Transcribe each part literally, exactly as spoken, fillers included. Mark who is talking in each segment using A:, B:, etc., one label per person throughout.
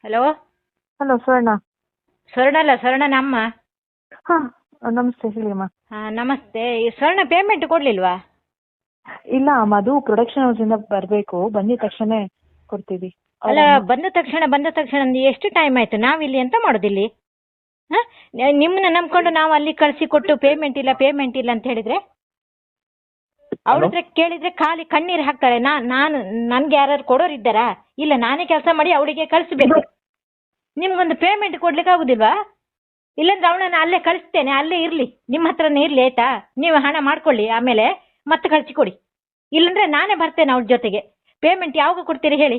A: Hello.
B: Hello ಸ್ವರ್ಣ.
A: ಸ್ವರ್ಣ ಅಲ್ಲ, ಸ್ವರ್ಣನ ಅಮ್ಮ.
B: ಹಾಂ ನಮಸ್ತೆ ಹೇಳಿ ಅಮ್ಮ.
A: ಹಾಂ ನಮಸ್ತೆ. ಈ ಸ್ವರ್ಣ ಪೇಮೆಂಟ್ ಕೊಡ್ಲಿಲ್ವಾ?
B: ಇಲ್ಲ ಅಮ್ಮ, ಅದು ಪ್ರೊಡಕ್ಷನ್ ಹೌಸಿಂದ ಬರಬೇಕು, ಬಂದಿದ ತಕ್ಷಣ ಕೊಡ್ತೀವಿ.
A: ಅಲ್ಲ, ಬಂದ ತಕ್ಷಣ ಬಂದ ತಕ್ಷಣ ಅಂದ್ ಎಷ್ಟು ಟೈಮ್ ಆಯ್ತು? ನಾವಿಲ್ಲಿ ಎಂತ ಮಾಡೋದಿಲ್ಲಿ? ಹಾಂ, ನಿಮ್ಮನ್ನ ನಂಬ್ಕೊಂಡು ನಾವು ಅಲ್ಲಿ ಕಳಿಸಿ ಕೊಟ್ಟು ಪೇಮೆಂಟ್ ಇಲ್ಲ ಪೇಮೆಂಟ್ ಇಲ್ಲ ಅಂತ ಹೇಳಿದ್ರೆ ಅವ್ರ ಹತ್ರ ಕೇಳಿದ್ರೆ ಖಾಲಿ ಕಣ್ಣೀರು ಹಾಕ್ತಾರೆ. ನಾ ನಾನು ನನ್ಗೆ ಯಾರು ಕೊಡೋರು ಇದ್ದಾರಾ? ಇಲ್ಲ, ನಾನೇ ಕೆಲಸ ಮಾಡಿ ಅವಳಿಗೆ ಕಳಿಸ್ಬೇಕು. ನಿಮ್ಗೊಂದು ಪೇಮೆಂಟ್ ಕೊಡ್ಲಿಕ್ಕೆ ಆಗುದಿಲ್ವಾ? ಇಲ್ಲಾಂದ್ರೆ ಅವಳನ್ನ ಅಲ್ಲೇ ಕಳಿಸ್ತೇನೆ, ಅಲ್ಲೇ ಇರ್ಲಿ, ನಿಮ್ಮ ಹತ್ರನೇ ಇರ್ಲಿ, ಆಯ್ತಾ? ನೀವು ಹಣ ಮಾಡ್ಕೊಳ್ಳಿ, ಆಮೇಲೆ ಮತ್ತೆ ಕಳಿಸಿ ಕೊಡಿ. ಇಲ್ಲಂದ್ರೆ ನಾನೇ ಬರ್ತೇನೆ ಅವ್ರ ಜೊತೆಗೆ. ಪೇಮೆಂಟ್ ಯಾವಾಗ ಕೊಡ್ತೀರಿ ಹೇಳಿ?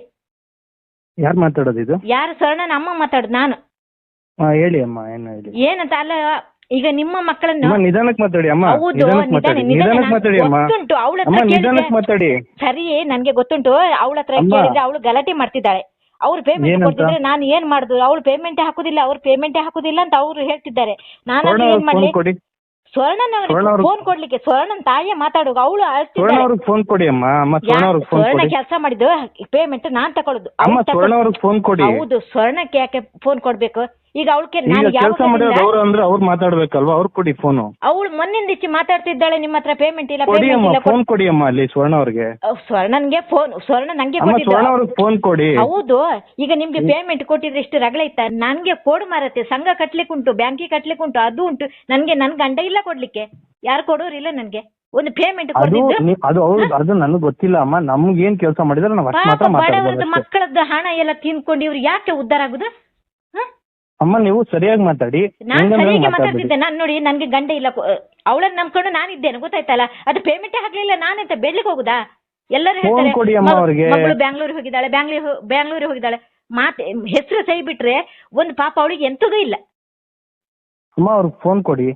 C: ಯಾರು ಮಾತಾಡೋದು ಇದು?
A: ಯಾರು? ಸ್ವರ್ಣನ ಅಮ್ಮ ಮಾತಾಡೋದು ನಾನು.
C: ಹಾ ಹೇಳಿ ಅಮ್ಮ, ಏನು ಹೇಳಿ?
A: ಏನಂತ ಅಲ್ಲ, ಈಗ ನಿಮ್ಮ ಮಕ್ಕಳನ್ನು
C: ಅಮ್ಮ ನಿಧಾನಕ್ಕೆ ಮಾತಾಡಿ ಅಮ್ಮ.
A: ಹೌದು,
C: ನಿಧಾನಕ್ಕೆ ಮಾತಾಡಿ,
A: ನಿಧಾನ
C: ನಿಧಾನಕ್ಕೆ ಮಾತಾಡಿ ಅಮ್ಮ.
A: ಗೊತ್ತುಂಟು ಅವಳ
C: ಅಮ್ಮ
A: ಹತ್ರ
C: ನಿಧಾನಕ್ಕೆ
A: ಕೇಳಿದ್ರೆ
C: ಮಾತಾಡಿ.
A: ಸರಿ, ನನ್ಗೆ ಗೊತ್ತುಂಟು. ಅವಳ ಹತ್ರ
C: ಅಮ್ಮ.
A: ಕೇಳಿದ್ರೆ ಅವಳು ಗಲಾಟೆ ಮಾಡ್ತಿದ್ದಾಳೆ. ಅವ್ರು ಪೇಮೆಂಟ್
C: ಏನಂತ?
A: ಕೊಡ್ತಿದ್ರೆ ನಾನು ಏನ್ ಮಾಡುದು? ಅವ್ಳು ಪೇಮೆಂಟೇ ಹಾಕುದಿಲ್ಲ, ಅವ್ರು ಪೇಮೆಂಟೇ ಹಾಕುದಿಲ್ಲ ಅಂತ ಅವ್ರು ಹೇಳ್ತಿದ್ದಾರೆ. ನಾನು
C: ಸ್ವರ್ಣ
A: ಏನ್
C: ಅವ್ರಿಗೆ
A: ಮಾಡ್ಲಿ?
C: ಫೋನ್ ಕೊಡಿ.
A: ಸ್ವರ್ಣನ್
C: ಸ್ವರ್ಣ ಅವ್ರಿಗೆ-
A: ಫೋನ್ ಕೊಡ್ಲಿಕ್ಕೆ ಸ್ವರ್ಣನ್ ತಾಯಿಯ ಮಾತಾಡುವ. ಅವಳು
C: ಸ್ವರ್ಣ
A: ಅಳ್ತಿದ್ದಾಳೆ.
C: ಅವ್ರಿಗೆ ಫೋನ್ ಕೊಡಿ ಅಮ್ಮ. ಅಮ್ಮ ಸ್ವರ್ಣ ಅವ್ರಿಗೆ ಫೋನ್
A: ಸ್ವರ್ಣ
C: ಕೊಡಿ.
A: ಕೆಲಸ ಮಾಡಿದ್ದು ಪೇಮೆಂಟ್ ನಾನ್ ತಕೊಳ್ಳೋದು.
C: ಅಮ್ಮ
A: ಅವ್ಳು ತಕೊ-
C: ಸ್ವರ್ಣ ಅವ್ರಿಗೆ ಫೋನ್ ಕೊಡಿ.
A: ಹೌದು, ಸ್ವರ್ಣಕ್ಕೆ ಯಾಕೆ ಫೋನ್ ಕೊಡ್ಬೇಕು? ಈಗ ಅವಳಿಗೆ
C: ಈಗ
A: ನಾನು
C: ಕೆಲಸ ಮಾಡೋದು ಅವ್ರು ಅಂದ್ರೆ ಅವ್ರು ಮಾತಾಡ್ಬೇಕಲ್ವಾ? ಅವ್ರು ಕೊಡಿ ಫೋನು.
A: ಅವಳು ಮೊನ್ನಿಂದ ಇಚ್ಚಿ ಮಾತಾಡ್ತಿದ್ದಾಳೆ, ನಿಮ್ಮ ಹತ್ರ ಪೇಮೆಂಟ್ ಇಲ್ಲ
C: ಕೊಡಿ
A: ಪೇಮೆಂಟ್
C: ಅಮ್ಮ,
A: ಇಲ್ಲ.
C: ಫೋನ್ ಕೊಡಿ ಅಮ್ಮ ಅಲ್ಲಿ ಸ್ವರ್ಣ ಅವ್ರಿಗೆ.
A: ಅಹ್, ಸ್ವರ್ಣನ್ಗೆ ಫೋನ್ ಸ್ವರ್ಣ ನಂಗೆ
C: ಅಮ್ಮ
A: ಕೊಟ್ಟಿದ್ದು.
C: ಸ್ವರ್ಣ ಅವ್ರಿಗೆ ಫೋನ್ ಕೊಡಿ.
A: ಹೌದು, ಈಗ ನಿಮ್ಗೆ ಪೇಮೆಂಟ್ ಕೊಟ್ಟಿದ್ರೆ ಇಷ್ಟು ರಗಳೆ ಇತ್ತ? ನನ್ಗೆ ಕೋಡು ಮಾರತ್ತೆ, ಸಂಘ ಕಟ್ಲಿಕ್ಕೆ ಉಂಟು, ಬ್ಯಾಂಕಿಗೆ ಕಟ್ಲಿಕ್ಕೆ ಉಂಟು, ಅದು ಉಂಟು. ನನ್ಗೆ ನನ್ ಗಂಡ ಇಲ್ಲ ಕೊಡ್ಲಿಕ್ಕೆ, ಯಾರು ಕೊಡೋರಿಲ್ಲ ನನ್ಗೆ ಒಂದು ಪೇಮೆಂಟ್
C: ಅದು
A: ಕೊಡ್ತಿದ್ದು.
C: ನೀ- ಅದು ಅವ್ರು ಅದು ನನಗೆ ಗೊತ್ತಿಲ್ಲ ಅಮ್ಮ. ನಮ್ಗೆ ಏನ್ ಕೆಲಸ ಮಾಡಿದ್ರೆ ನಾವು ಅಷ್ಟು
A: ಪಾಪ
C: ಮಾತ್ರ
A: ಬಡವರದ್ದು
C: ಮಾತಾಡ್ಬೋದು.
A: ಮಕ್ಕಳದ್ದು ಹಣ ಎಲ್ಲ ತಿನ್ಕೊಂಡು ಇವ್ರು ಯಾಕೆ ಉದ್ಧಾರ ಆಗುದು? ಹ?
C: ಅಮ್ಮ ನೀವು ಸರಿಯಾಗಿ ಮಾತಾಡಿ.
A: ನಾನ್
C: ಹೆಂಗಂದ್ರೆ
A: ಸರಿಯಾಗಿ
C: ಮಾತಾಡ್ಬೇಡಿ.
A: ಮಾತಾಡ್ತಿದ್ದೆ. ನಾನ್ ನೋಡಿ, ನನ್ಗೆ ಗಂಡ ಇಲ್ಲ, ಅವಳನ್ನ ನಂಬ್ಕೊಂಡು ನಾನಿದ್ದೇನೆ, ಗೊತ್ತಾಯ್ತಲ್ಲ? ಅದು ಪೇಮೆಂಟೇ ಹಾಕ್ಲಿಲ್ಲ, ನಾನೆಂತ ಬೆಳ್ಳಿಗೆ ಹೋಗುದಾ? ಎಲ್ಲರೂ
C: ಫೋನ್
A: ಹೇಳ್ತಾರೆ
C: ಕೊಡಿ ಅಮ್ಮ
A: ಮಗ-
C: ಅವ್ರಿಗೆ.
A: ಮಗಳು ಬ್ಯಾಂಗ್ಳೂರ್ ಹೋಗಿದ್ದಾಳೆ, ಬ್ಯಾಂಗ್ಳೂರ್ ಬ್ಯಾಂಗ್ಳೂರ್ ಹೋಗಿದ್ದಾಳೆ. ಮಾತೆ ಹೆಸರು ಸೈ ಬಿಟ್ರೆ ಒಂದು ಪಾಪ ಅವಳಿಗೆ ಎಂತದೂ ಇಲ್ಲ.
C: ಅಮ್ಮ ಅವ್ರಿಗೆ ಫೋನ್ ಕೊಡಿ.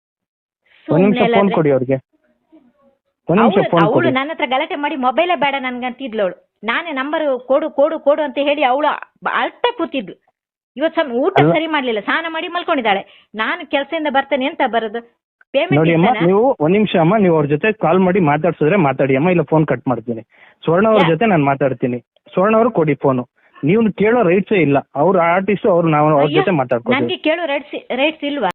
C: ಒಂದ್ ನಿಮಿಷ
A: ಸುಮ್ನೆ
C: ಫೋನ್
A: ಅಲ್ಲ
C: ಕೊಡಿ ಅವ್ರಿಗೆ. ಒಂದ್ ನಿಮಿಷ ಫೋನ್
A: ಅವಳು
C: ಕೊಡಿ.
A: ನನ್ನ ಹತ್ರ ಗಲಾಟೆ ಮಾಡಿ ಮೊಬೈಲೇ ಬೇಡ ನನ್ಗಂತಿದ್ಲು. ಅವಳು ನಾನೇ ನಂಬರ್ ಕೊಡು ಕೊಡು ಕೊಡು ಅಂತ ಹೇಳಿ ಅವಳು ಅಳ್ತಾ ಕೂತಿದ್ಲು. ಇವತ್ತು ಸಮ ಊಟ
C: ಅಲ್ಲ.
A: ಸರಿ ಮಾಡ್ಲಿಲ್ಲ, ಸ್ನಾನ ಮಾಡಿ ಮಲ್ಕೊಂಡಿದ್ದಾಳೆ. ನಾನು ಕೆಲಸದಿಂದ ಬರ್ತೇನೆ ಅಂತ ಬರೋದು
C: ನೋಡಿ ಅಮ್ಮ,
A: ಪೇಮೆಂಟ್.
C: ನೀವು ಒಂದ್ ನಿಮಿಷ ಅಮ್ಮ, ನೀವು ಅವ್ರ ಜೊತೆ ಕಾಲ್ ಮಾಡಿ ಮಾತಾಡ್ಸಿದ್ರೆ ಮಾತಾಡಿ ಅಮ್ಮ, ಇಲ್ಲ ಫೋನ್ ಕಟ್ ಮಾಡ್ತೀನಿ. ಸ್ವರ್ಣ ಅವ್ರ
A: ಯಾ-
C: ಜೊತೆ ನಾನು ಮಾತಾಡ್ತೀನಿ. ಸ್ವರ್ಣ ಅವ್ರು ಕೊಡಿ ಫೋನು. ನೀವು ಕೇಳೋ ರೈಟ್ಸೇ ಇಲ್ಲ. ಅವ್ರ ಆರ್ಟಿಸ್ಟ್ ಅವ್ರು ನಾವು ಅವ್ರ ಜೊತೆ ಮಾತಾಡ್ಕೊತೀವಿ.
A: ನನ್ಗೆ ಕೇಳೋ ರೈಟ್ಸ್ ರೈಟ್ಸ್ ಇಲ್ವಾ?